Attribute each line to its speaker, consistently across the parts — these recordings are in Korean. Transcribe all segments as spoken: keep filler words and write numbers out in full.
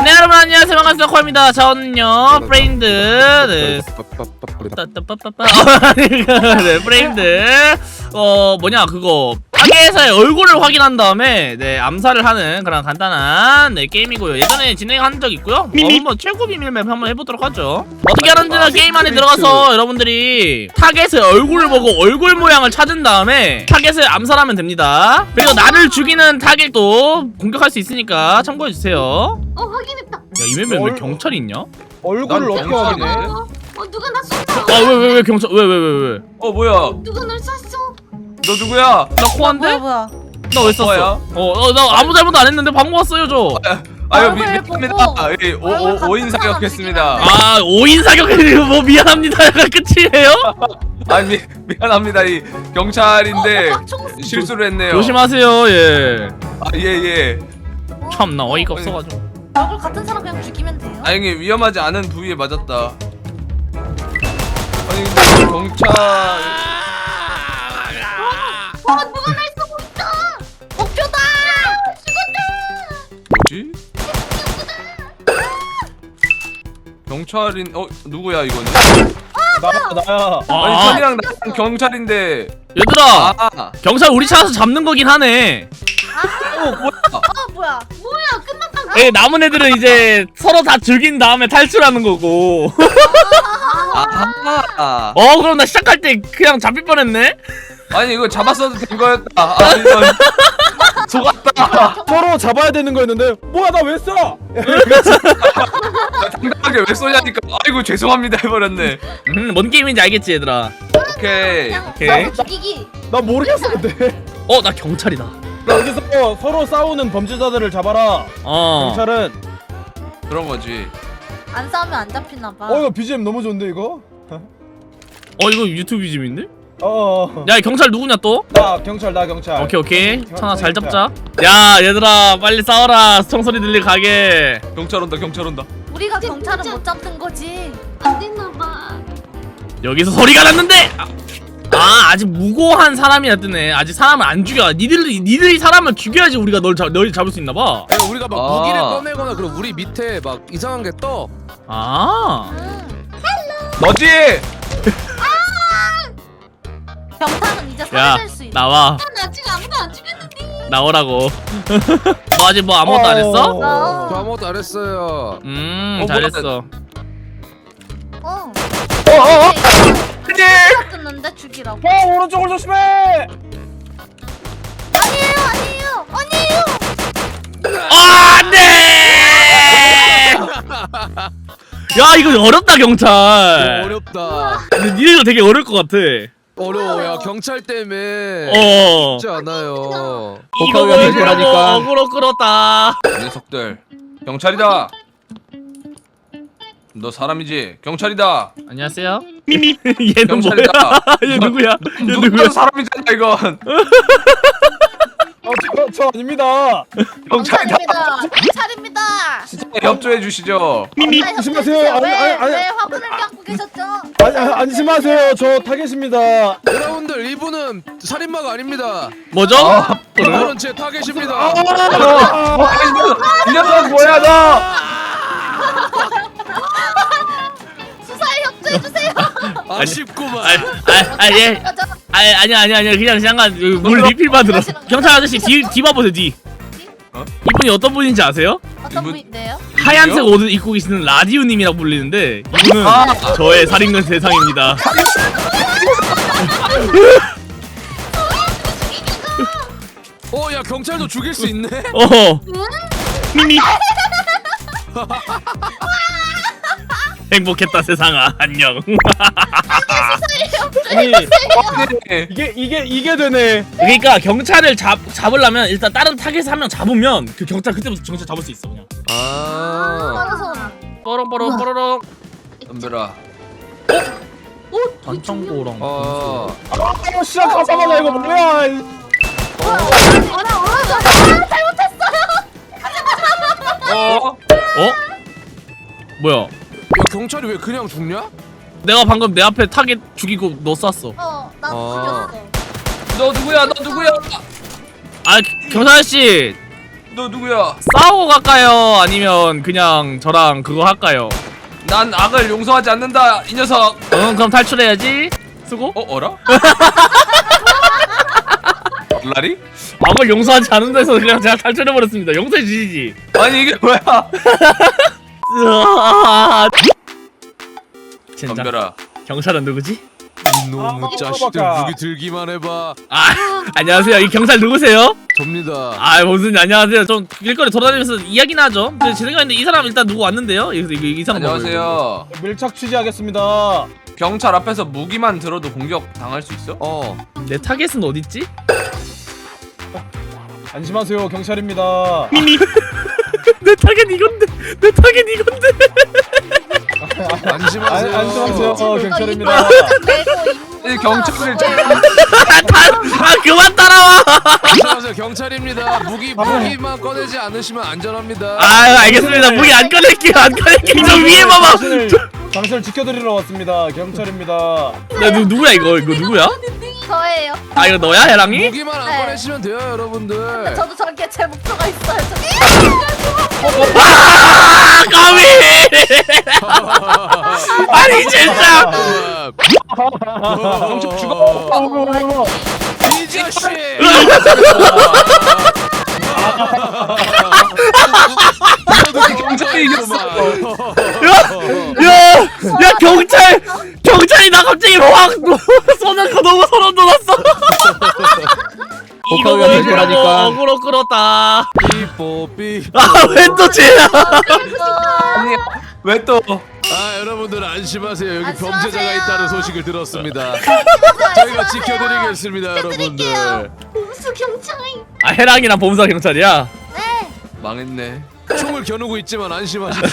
Speaker 1: 네 여러분 안녕하세요, 반갑습니다. 코아입니다. 저는요 프레임드 네. 네 프레임드 어 뭐냐 그거 타겟에서의 얼굴을 확인한 다음에 네 암살을 하는 그런 간단한 네 게임이고요. 예전에 진행한 적 있고요. 어, 한번 최고 비밀맵 한번 해보도록 하죠. 어떻게 하는지는 게임 안에 들어가서 여러분들이 타겟의 얼굴을 보고 얼굴 모양을 찾은 다음에 타겟을 암살하면 됩니다. 그리고 나를 죽이는 타겟도 공격할 수 있으니까 참고해주세요.
Speaker 2: 어 확인했다.
Speaker 1: 야, 이 맵에 왜 경찰이 있냐?
Speaker 3: 얼굴을 어떻게
Speaker 2: 어,
Speaker 3: 확인해?
Speaker 2: 어, 어 누가 나 쏜다.
Speaker 1: 아 왜 왜 왜 경찰 왜 왜 왜 왜?
Speaker 4: 어 뭐야?
Speaker 2: 누가 날 쐈어?
Speaker 4: 너 누구야?
Speaker 1: 나 코한데?
Speaker 5: 뭐야?
Speaker 1: 나 왜 썼어? 어, 나 아무 잘못 안 했는데 방금 왔어요 저.
Speaker 4: 아유 미,
Speaker 5: 얼굴
Speaker 4: 미안합니다.
Speaker 5: 보고.
Speaker 4: 예, 오, 오, 오인 사격했습니다.
Speaker 1: 아 오인 사격해서 뭐 미안합니다가 끝이에요?
Speaker 4: 아 미, 미안합니다. 이 경찰인데
Speaker 5: 어, 총 쏘-
Speaker 4: 실수를 했네요.
Speaker 1: 조심하세요 예.
Speaker 4: 아, 예 예.
Speaker 1: 참나 어이가 없어가지고.
Speaker 5: 얼굴 같은 사람 그냥 죽이면 돼요.
Speaker 4: 다행히 위험하지 않은 부위에 맞았다. 아니 근데 경찰
Speaker 2: 어 누가 날 쏘고 있다.
Speaker 5: 목표다.
Speaker 4: 뭐지? 경찰인 어 누구야 이거는?
Speaker 3: 나야 나야.
Speaker 4: 아니
Speaker 1: 아
Speaker 4: 선이랑 나랑 경찰인데.
Speaker 1: 얘들아
Speaker 4: 아,
Speaker 1: 경찰 우리 찾아서 잡는 거긴 하네.
Speaker 4: 어 뭐야?
Speaker 5: 어 뭐야?
Speaker 2: 뭐야 끝났다.
Speaker 1: 예, 남은 애들은 이제 서로 다 죽인 다음에 탈출하는 거고.
Speaker 4: 아,
Speaker 1: 어 그럼 나 시작할 때 그냥 잡힐 뻔했네.
Speaker 4: 아니 이거 잡았어도 된 거였다. 아 이건 속았다.
Speaker 3: 서로 잡아야 되는 거였는데 뭐야 나 왜 쏴?
Speaker 4: 당당하게 왜 쏘냐니까. 아이고 죄송합니다 해버렸네.
Speaker 1: 음, 뭔 게임인지 알겠지 얘들아.
Speaker 4: 오케이.
Speaker 5: 그냥
Speaker 1: 오케이.
Speaker 5: 죽이기.
Speaker 3: 나 모르겠어 근데.
Speaker 1: 어 나 경찰이다.
Speaker 3: 나 여기서 서로 싸우는 범죄자들을 잡아라.
Speaker 1: 어.
Speaker 3: 경찰은.
Speaker 4: 그런 거지.
Speaker 5: 안 싸우면 안 잡히나 봐.
Speaker 3: 어 이거 비지엠 너무 좋은데 이거?
Speaker 1: 어 이거 유튜브 비즘인데?
Speaker 3: 어.
Speaker 1: 야 경찰 누구냐 또?
Speaker 3: 나 경찰 나 경찰.
Speaker 1: 오케이 오케이
Speaker 3: 경-
Speaker 1: 천아 잘
Speaker 3: 경찰.
Speaker 1: 잡자. 야 얘들아 빨리 싸워라. 총소리 들릴 가게.
Speaker 4: 경찰 온다 경찰 온다.
Speaker 5: 우리가
Speaker 2: 근데
Speaker 5: 경찰은
Speaker 2: 진짜-
Speaker 5: 못 잡는 거지.
Speaker 2: 안 됐나 봐.
Speaker 1: 여기서 소리가 났는데. 아, 아 아직 무고한 사람이라 뜨네. 아직 사람을 안 죽여. 니들이 니들이 사람을 죽여야지 우리가 널 잡, 널 잡을 수 있나 봐.
Speaker 6: 아니, 우리가 막
Speaker 4: 아.
Speaker 6: 무기를 꺼내거나 그럼 우리 밑에 막 이상한 게 떠.
Speaker 1: 아.
Speaker 5: 응.
Speaker 4: 너지?
Speaker 5: 경찰은 이제
Speaker 1: 야
Speaker 5: 살릴 수 있어.
Speaker 1: 나와
Speaker 2: 나 아직 아무도 안 죽였는데.
Speaker 1: 나오라고. 너 아직 뭐 아무것도 안 했어?
Speaker 5: 어.
Speaker 6: 저 아무것도 안 했어요.
Speaker 1: 음
Speaker 4: 어,
Speaker 1: 잘했어.
Speaker 5: 어.
Speaker 4: 어어어.
Speaker 5: 끊는데 죽이라고.
Speaker 3: 어 오른쪽을 조심해.
Speaker 5: 아니에요, 아니에요, 아니에요.
Speaker 1: 아, 안돼. 야 이거 어렵다 경찰.
Speaker 6: 어렵다.
Speaker 1: 근데 니들도 되게 어려울 것 같아.
Speaker 6: 어려워. 야 경찰 때문에
Speaker 1: 어.
Speaker 6: 쉽지 않아요.
Speaker 1: 이거
Speaker 3: 복합이 안
Speaker 1: 끌고
Speaker 3: 되니까.
Speaker 1: 어그로 끌었다.
Speaker 4: 이 녀석들. 경찰이다. 너 사람이지? 경찰이다.
Speaker 1: 안녕하세요. 미미. 얘는 뭐야?
Speaker 4: 경찰이다.
Speaker 1: 얘 누구야? 얘
Speaker 4: 누구야
Speaker 1: 누구야?
Speaker 4: 사람이잖아 이건.
Speaker 3: 어저 저 아닙니다.
Speaker 4: 경찰이다.
Speaker 5: 경찰입니다. 경찰입니다.
Speaker 3: 진짜
Speaker 4: 협조해 주시죠.
Speaker 1: 미미.
Speaker 5: 경찰
Speaker 3: 조심하세요.
Speaker 5: 협조해주세요.
Speaker 3: 아니,
Speaker 5: 왜,
Speaker 3: 아니, 아니.
Speaker 5: 왜 화분을 깎고 계셨죠?
Speaker 3: 아니 아니, 안심하세요. 저 타겟입니다.
Speaker 6: 여러분들 이분은 살인마가 아닙니다.
Speaker 1: 뭐죠?
Speaker 4: 아,
Speaker 6: 이분은 제 타겟입니다.
Speaker 4: 어, 이 녀석 뭐야 너?
Speaker 5: 수사에 협조해주세요.
Speaker 6: 아쉽구만.
Speaker 1: 아아예 아니 아니 아니 아니 그냥 잠깐 물 리필 받으러. 경찰 아저씨 뒤 뒤 봐보세요 뒤.
Speaker 4: 어?
Speaker 1: 이분이 어떤 분인지 아세요?
Speaker 5: 어떤
Speaker 4: 이분-
Speaker 5: 분인데요?
Speaker 1: 하얀색 옷을 입고 계시는 라디오님이라고 불리는데 이분은
Speaker 4: 아.
Speaker 1: 저의 살인건 대상입니다.
Speaker 6: 어, 야 경찰도 죽일 수 있네.
Speaker 1: 어. 미미. 행복했다 세상아 안녕.
Speaker 3: 아니
Speaker 4: 네.
Speaker 3: 이게 이게 이게 되네.
Speaker 1: 그러니까 경찰을 잡 잡으려면 일단 다른 타겟을 한 명 잡으면 그 경찰 그때부터 경찰 잡을 수 있어 그냥.
Speaker 6: 아.
Speaker 5: 알아서.
Speaker 1: 뽀롱뽀롱 뽀로롱.
Speaker 4: 덤벼라.
Speaker 2: 오
Speaker 1: 반창고랑.
Speaker 6: 어.
Speaker 3: 아 시작하자마자 이거 뭐야? 이-
Speaker 5: 어라 어라 잘못했어요.
Speaker 4: 어?
Speaker 1: 어? 뭐야?
Speaker 6: 야 경찰이 왜 그냥 죽냐?
Speaker 1: 내가 방금 내 앞에 타겟 죽이고 너 쐈어.
Speaker 5: 어, 나
Speaker 6: 어.
Speaker 5: 죽였어.
Speaker 4: 너 누구야? 너 누구야?
Speaker 1: 아 경찰 아저씨
Speaker 4: 너 누구야?
Speaker 1: 싸우고 갈까요? 아니면 그냥 저랑 그거 할까요?
Speaker 4: 난 악을 용서하지 않는다 이 녀석.
Speaker 1: 응 그럼 탈출해야지. 수고.
Speaker 4: 어 어라? 라리?
Speaker 1: 악을 용서하지 않는 데서 그냥 제가 탈출해버렸습니다. 용서해 주시지.
Speaker 4: 아니 이게 뭐야?
Speaker 1: 으아. 젠장.
Speaker 4: 덤벼라.
Speaker 1: 경찰은 누구지?
Speaker 6: 이놈의
Speaker 3: 아,
Speaker 6: 자식들
Speaker 3: 깜빡아.
Speaker 6: 무기 들기만 해봐.
Speaker 1: 아 안녕하세요. 이 경찰 누구세요?
Speaker 6: 접니다.
Speaker 1: 아 무슨 안녕하세요. 좀 길거리 돌아다니면서 이야기나 하죠. 제 생각인데 이 사람 일단 누구 왔는데요? 이, 이, 이 사람
Speaker 4: 안녕하세요.
Speaker 3: 밀착 취재하겠습니다.
Speaker 4: 경찰 앞에서 무기만 들어도 공격 당할 수 있어?
Speaker 6: 어.
Speaker 1: 내 타겟은 어딨지?
Speaker 3: 안심하세요, 경찰입니다.
Speaker 1: 내 타겟 이건데 내 타겟 이건데
Speaker 6: 안심하세요.
Speaker 3: 안- 안심하세요, 어, 경찰입니다.
Speaker 4: 이 경찰을
Speaker 1: 아 그만 따라와.
Speaker 6: 안심하세요. 경찰입니다. 무기 무기만 꺼내지 않으시면 안전합니다.
Speaker 1: 아 알겠습니다. 무기 안 꺼낼게요. 안 꺼낼게요. 저 위에 봐봐.
Speaker 3: 당신을, 당신을 지켜드리러 왔습니다. 경찰입니다.
Speaker 1: 야 누, 누구야 이거 이거 누구야?
Speaker 5: 저예요.
Speaker 1: 아 이거 너야 해랑이?
Speaker 6: 무기만 안
Speaker 5: 네.
Speaker 6: 꺼내시면 돼요, 여러분들.
Speaker 5: 저도 저렇게 제 목표가 있어요. 저...
Speaker 1: 아 까비. 아니 진짜.
Speaker 3: 경찰 죽어.
Speaker 6: 이 자식.
Speaker 4: 경찰이 이겼어.
Speaker 1: 야, 야 경찰 경찰이 나 갑자기 확 쏘는 거 너무 소름 돋았어. 이거
Speaker 3: 복합이
Speaker 1: 그러고
Speaker 3: 거라니까.
Speaker 1: 어그로 끌었다.
Speaker 6: 삐뽀삐.
Speaker 1: 아 왜 또 쟤야?
Speaker 4: 아니 왜 또?
Speaker 6: 아 여러분들 안심하세요. 여기
Speaker 5: 안심하세요.
Speaker 6: 범죄자가 있다는 소식을 들었습니다. 저희가 지켜드리겠습니다, 여러분들.
Speaker 2: 봄수 경찰.
Speaker 1: 아 해랑이랑 범사 경찰이야.
Speaker 5: 네.
Speaker 4: 망했네.
Speaker 6: 총을 겨누고 있지만 안심하십시오.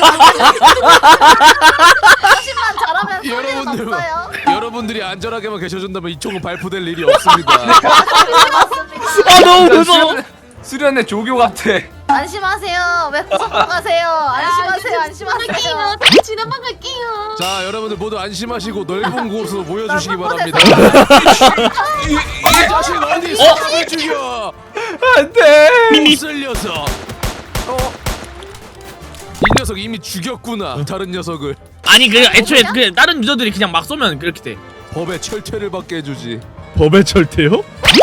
Speaker 5: 자신만 잘하면 소리는
Speaker 6: 여러분들,
Speaker 5: 없어요.
Speaker 6: 여러분들이 안전하게만 계셔준다면 이 총은 발포될 일이 없습니다.
Speaker 5: 맞습니다.
Speaker 1: 아 너무
Speaker 4: 진짜
Speaker 1: 무서워.
Speaker 4: 수련- 수련의 조교 같아.
Speaker 5: 안심하세요. 왜 구속도 가세요? 안심하세요. 안심하세요.
Speaker 2: 지나만 갈게요.
Speaker 6: 자, 여러분들 모두 안심하시고 넓은 곳으로 모여주시기
Speaker 5: 넓은
Speaker 6: 바랍니다. 이, 이 자식 어디 있어? 왜 죽여?
Speaker 4: 안돼.
Speaker 6: 못쓸 녀석. 어? 이 녀석 이미 죽였구나. 다른 녀석을
Speaker 1: 아니 그 애초에 그 다른 유저들이 그냥 막 쏘면 그렇게 돼.
Speaker 6: 법의 철퇴를 받게 해주지.
Speaker 1: 법의 철퇴요?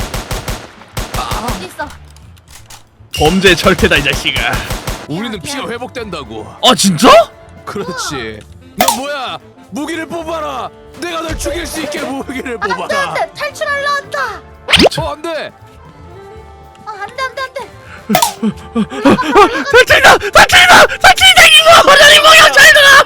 Speaker 5: 어디 있어?
Speaker 1: 범죄 철퇴다 이 자식아.
Speaker 6: 우리는 피가 회복된다고.
Speaker 1: 아 진짜?
Speaker 6: 그렇지. 너 뭐야? 무기를 뽑아라. 내가 널 죽일 수 있게 무기를
Speaker 5: 안돼
Speaker 6: 뽑아라.
Speaker 5: 안돼 탈출하려 한다.
Speaker 6: 어 안돼.
Speaker 5: 아 안돼 안돼 안돼.
Speaker 1: 탈출이다! 탈출이다! 탈출이다 이거! 어련히 뭐야 잘들아!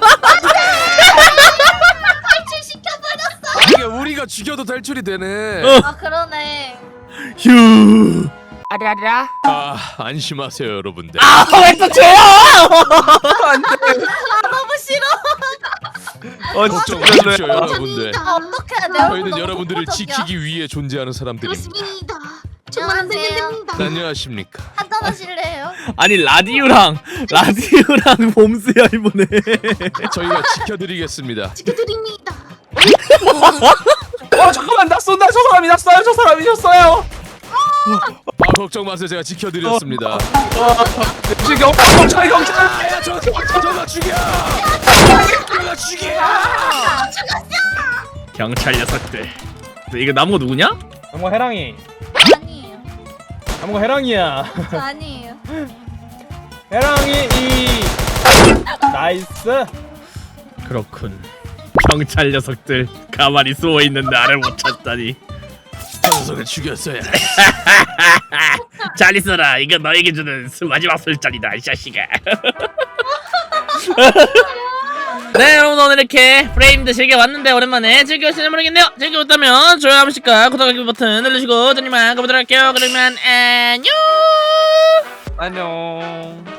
Speaker 5: 탈출시켜버렸어.
Speaker 6: 이게 우리가 죽여도 탈출이 되네.
Speaker 1: 어.
Speaker 5: 아 그러네.
Speaker 1: 휴.
Speaker 6: 아 안심하세요 여러분들.
Speaker 1: 아 왜 또 쟤야?
Speaker 5: 아 너무 싫어.
Speaker 4: 어
Speaker 6: 걱정
Speaker 4: 진짜
Speaker 6: 마십시오 여러분들.
Speaker 5: 아 어떡해 내 얼굴
Speaker 6: 저희는
Speaker 5: 너무
Speaker 6: 여러분들을
Speaker 5: 폭력적이야.
Speaker 6: 지키기 위해 존재하는 사람들입니다.
Speaker 2: 그렇습니다. 정말 안 되면 됩니다.
Speaker 6: 안녕하십니까.
Speaker 5: 한잔 하실래요?
Speaker 1: 아니 라디오랑 라디오랑 봄스야 이번에.
Speaker 4: 저희가 지켜드리겠습니다.
Speaker 2: 지켜드립니다.
Speaker 4: 어 잠깐만 나 쏜다. 저 사람이 났어요. 저 사람이셨어요.
Speaker 6: 아 걱정 마세요 제가 지켜드렸습니다.
Speaker 4: 지금 경찰 경찰 경찰.
Speaker 6: 야, 저, 저, 저가 죽여! 저가 죽여!
Speaker 1: 경찰 녀석들. 이거 나무가 누구냐?
Speaker 3: 뭐 해랑이.
Speaker 5: 아니에요.
Speaker 3: 뭐 해랑이야.
Speaker 5: 저 아니에요.
Speaker 3: 해랑이 이 나이스.
Speaker 1: 그렇군. 경찰 녀석들 가만히 숨어 있는 나를 못 찾다니.
Speaker 6: 저 녀석을 죽였어야.
Speaker 1: 잘 있어라. 이거 너에게 주는 수- 마지막 술잔이다 이 자식아. 네 여러분 오늘 이렇게 프레임드 즐겨봤는데 오랜만에 즐거우시는지 모르겠네요. 즐거웠다면 좋아요 한 번씩과 구독하기 버튼 눌러주시고 저님만 가보도록 할게요. 그러면 안녕.
Speaker 4: 안녕.